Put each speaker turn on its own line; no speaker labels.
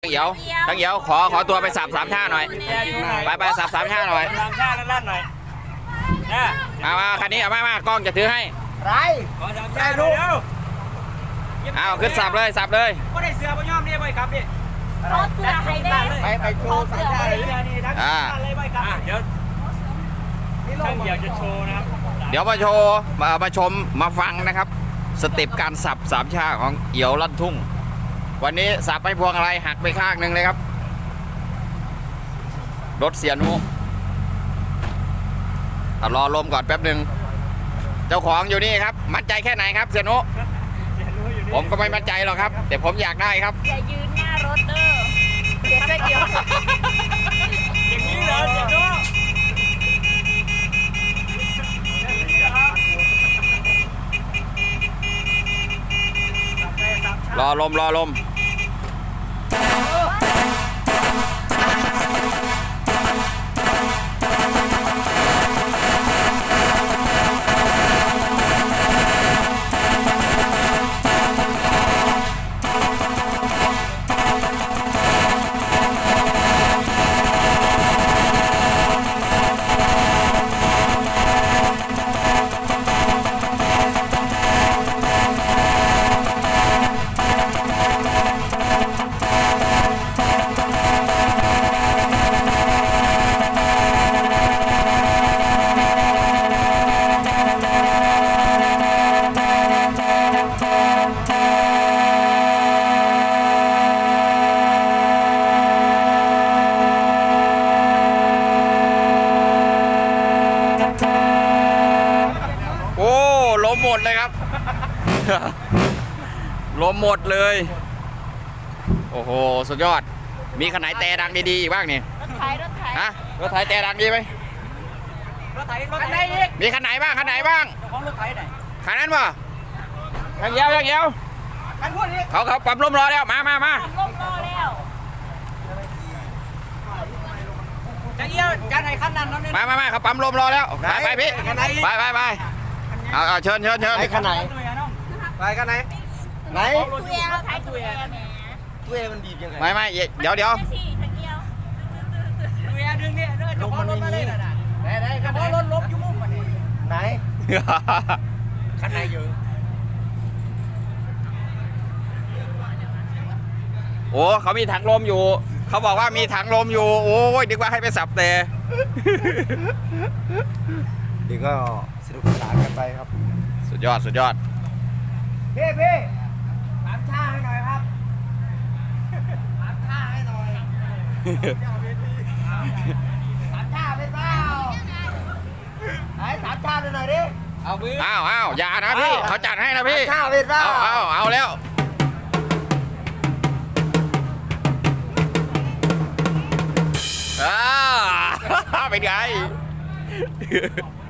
เอียวทักเอียวขอตัวไปสับ3 ท่าหน่อยไปสับ3 ท่าหน่อย
3 ท่าลั่นหน่อยนะ
มาคันนี้เอามากล้องจะถือให้
ไร
ขอ3 ท่าดู
เอาขึ้นสับเลย
ก็ได้เสือบ่ยอมนี่บ่ครับดิ
ขอเสือให้ได้
ไปโชว์3 ท่าเลย
นี่ทั้งเลยบ่ครับเดี๋ยวช่างอยากจะโชว์นะครับ
เดี๋ยวมาโชว์มาชมมาฟังนะครับสเต็ปการสับ3 ชาของเอี่ยวลั่นทุ่งวันนี้สับไปพวงอะไรหักไปข้างหนึ่งเลยครับรถเสียนุรอลมก่อนแป๊บหนึ่งเจ้าของอยู่นี่ครับมั่นใจแค่ไหนครับเสียนุผมก็ไม่มั่นใจหรอกครับแต่ผมอยากได้ครับ
อย่ายืนหน้ารถเด้อเดี๋ยวจะเกี่ยว
อย่างนี้เหรอเสียนุ
รอลมหมดเลยครับลมหมดเลยโอ้โหสุดยอดมีคันไหนแต่ดังดีๆอีกบ้างนี่
รถไถ
ฮะรถไถแต่ดังดีไหม
รถไถอีก
มีคันไหนบ้าง
ของรถไถไหน
คันนั้นป่ะยังเยียว
คันพูดนี้
เขาปั๊มลมรอแล้วมา
ปั๊มลมรอแล้ว
จะเอี้ยวจะไหนขั้นนั้นแล้วเนี่ย
มาเขาปั๊มลมรอแล้วไปพี่ไปเอาเชิญ
ไปคันไหนไปคันไหน
ตัวเองเราถ่ายตัวเองแหม
ตัวเองมันบีบยังไง
ไม่เดี๋ยว
ตัวเองดึงเนี่ยลมมันไม่มีได้กระเพาะรถลบอยู่มุมมันนี่
ไหนคันไหนอยู่
โอ้เขามีถังลมอยู่เขาบอกว่ามีถังลมอยู่โอ้ยนึกว่าให้ไปสับแต่
ดีก็สนุกสนานกันไปครับ
สุดยอด
พี่3 ท่าให้หน่อยครับ3 ท่าให้หน่อย3 ท่าไปเปล่าไอ้3 ท่าหน่อยดิ
เอามือ
อย่านะพี่เขาจัดให้นะพี่
3 ท่าไปเปล่า
เอาแล้วเป็นไง